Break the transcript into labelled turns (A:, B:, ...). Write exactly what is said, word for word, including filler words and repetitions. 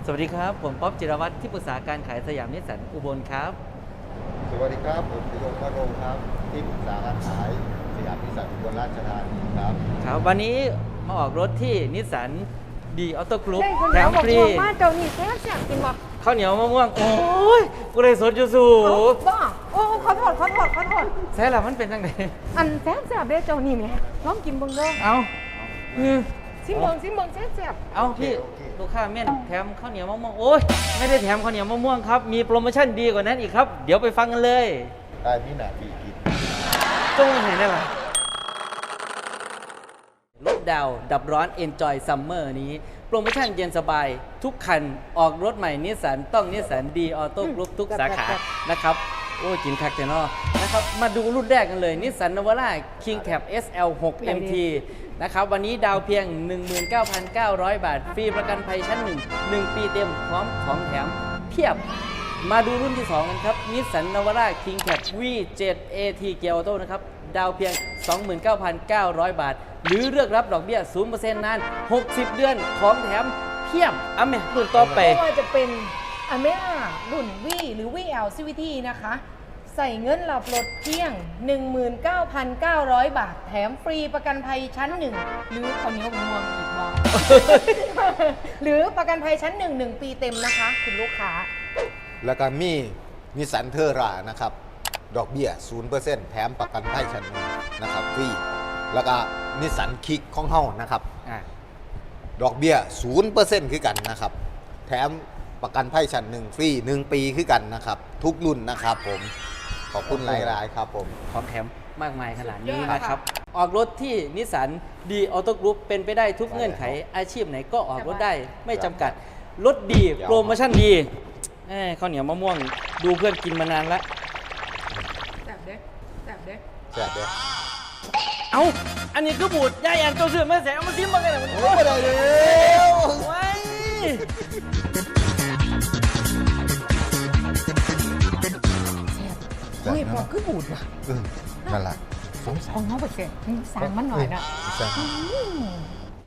A: สวัสดีครับผมป๊อบจิรวัตรที่ปรึกษาการขายสยามนิสสันอุบลครับ
B: สวัสดีครับผมปิยงมโนครับที่ปรึกษาการขายสยามนิสสันอุบลราชธานีครับ
A: ครับวันนี้มาออกรถที่นิสสันดีออโต้กรุ๊ป
C: ได้คน
A: แถ
C: แล้ว
A: ม
C: บอก
A: ฟรี
C: ว่าเจ้านี่แซ่บแซ่บกินบ่
A: ข้าวเหนียวมะม่วงโอ้ยกูได้สดอยู่สู
C: เอาบ้าโอ้ขอโทษขอโทษขอโทษ
A: ใช่แล้วมันเป็นยังไง
C: อันแซ่บแซ่บเด้เจ้านี่แหม่ลองกินเบิ่งเด้อ
A: เอาอือ
C: ซิมเบิ่งซิมเบิ่งแซ่บแซ่บ
A: เอาพี่ลูกค้าเม่นแถมข้าวเหนียวมะม่วงโอ้ยไม่ได้แถมข้าวเหนียวมะม่วงครับมีโปรโมชั่นดีกว่านั้นอีกครับเดี๋ยวไปฟังกันเลย
B: ได้มีหนาปีกิน
A: จงเห็นได้ไหมรถดาวดับร้อน Enjoy Summer นี้โปรโมชั่นเย็นสบายทุกคันออกรถใหม่นิสสันต้องนิสสันดีออโต้กรุ๊ปทุกสาขานะครับโอ้ยกินคักเจนอนะครับมาดูรุ่นแรกกันเลยนิสสันนาวาร่า King Cab เอส แอล หก เอ็ม ที นะครับวันนี้ดาวเพียง หนึ่งหมื่นเก้าพันเก้าร้อย บาท ฟรีประกันภัยชั้น หนึ่ง หนึ่ง ปีเต็มพร้อมของแถมเพียบ มาดูรุ่นที่ สอง กันครับนิสสันนาวาร่า King Cab วี เซเว่น เอ ที เกียร์ออโต้นะครับดาวเพียง สองหมื่นเก้าพันเก้าร้อย บาท หรือเลือกรับดอกเบี้ย ศูนย์เปอร์เซ็นต์ นาน หกสิบ เดือนของแถมเพียบอ่ะแม่รุ่นต่อไป
C: ไม่ว่าจะเป็นอเมร่ารุ่น V หรือ วี แอล ซี วี ที นะคะ ใส่เงินหลับรถเพียง หนึ่งหมื่นเก้าพันเก้าร้อย บาท แถมฟรีประกันภัยชั้นหนึ่งหรือข้าวเหนียวมะม่วงอีกบ่ หรือประกันภัยชั้นหนึ่งหนึ่งปีเต็มนะคะ คุณลูกค้า
B: แล้วก็มีนิสสันเทอร่านะครับดอกเบี้ย ศูนย์เปอร์เซ็นต์ แถมประกันภัยชั้นหนึ่งนะครับฟรีแล้วก็นิสสันคิกของเฮานะครับ
A: อ่ะ
B: ดอกเบี้ย ศูนย์เปอร์เซ็นต์ คือกันนะครับแถมประกันภัยชั้นหนึ่งฟรีหนึ่งปีคือกันนะครับทุกรุ่นนะครับผมขอบคุณหลายๆครับผม
A: ของแถมมากมายขนาดนี้
C: สุดยอด
A: นะครับ ออกรถที่นิสสันดีออโต้กรุ๊ปเป็นไปได้ทุกเงื่อนไขอาชีพไหนก็ออกรถได้ไม่จำกัด รถดีโปรโมชั่นดีเอ้ยข้าวเหนียวมะม่วงดูเพื่อนกินมานานแล้ว
C: แซ่บเด้แซ่บเด้
B: แซ่บเด้อ
A: เอ้า อันนี้คือบูดยายอันเจ้าเสือแม่แสงเอามาซิมมากันนะมัน
B: โอ้ยได้เลย
A: ไว้ย
C: เฮ้ยพอคือบูดว่ะ
B: นั่นแหละ
C: สองสองเขาไปเสร็จสั่งมันหน่อยนะ
B: แซ่บ
C: อืม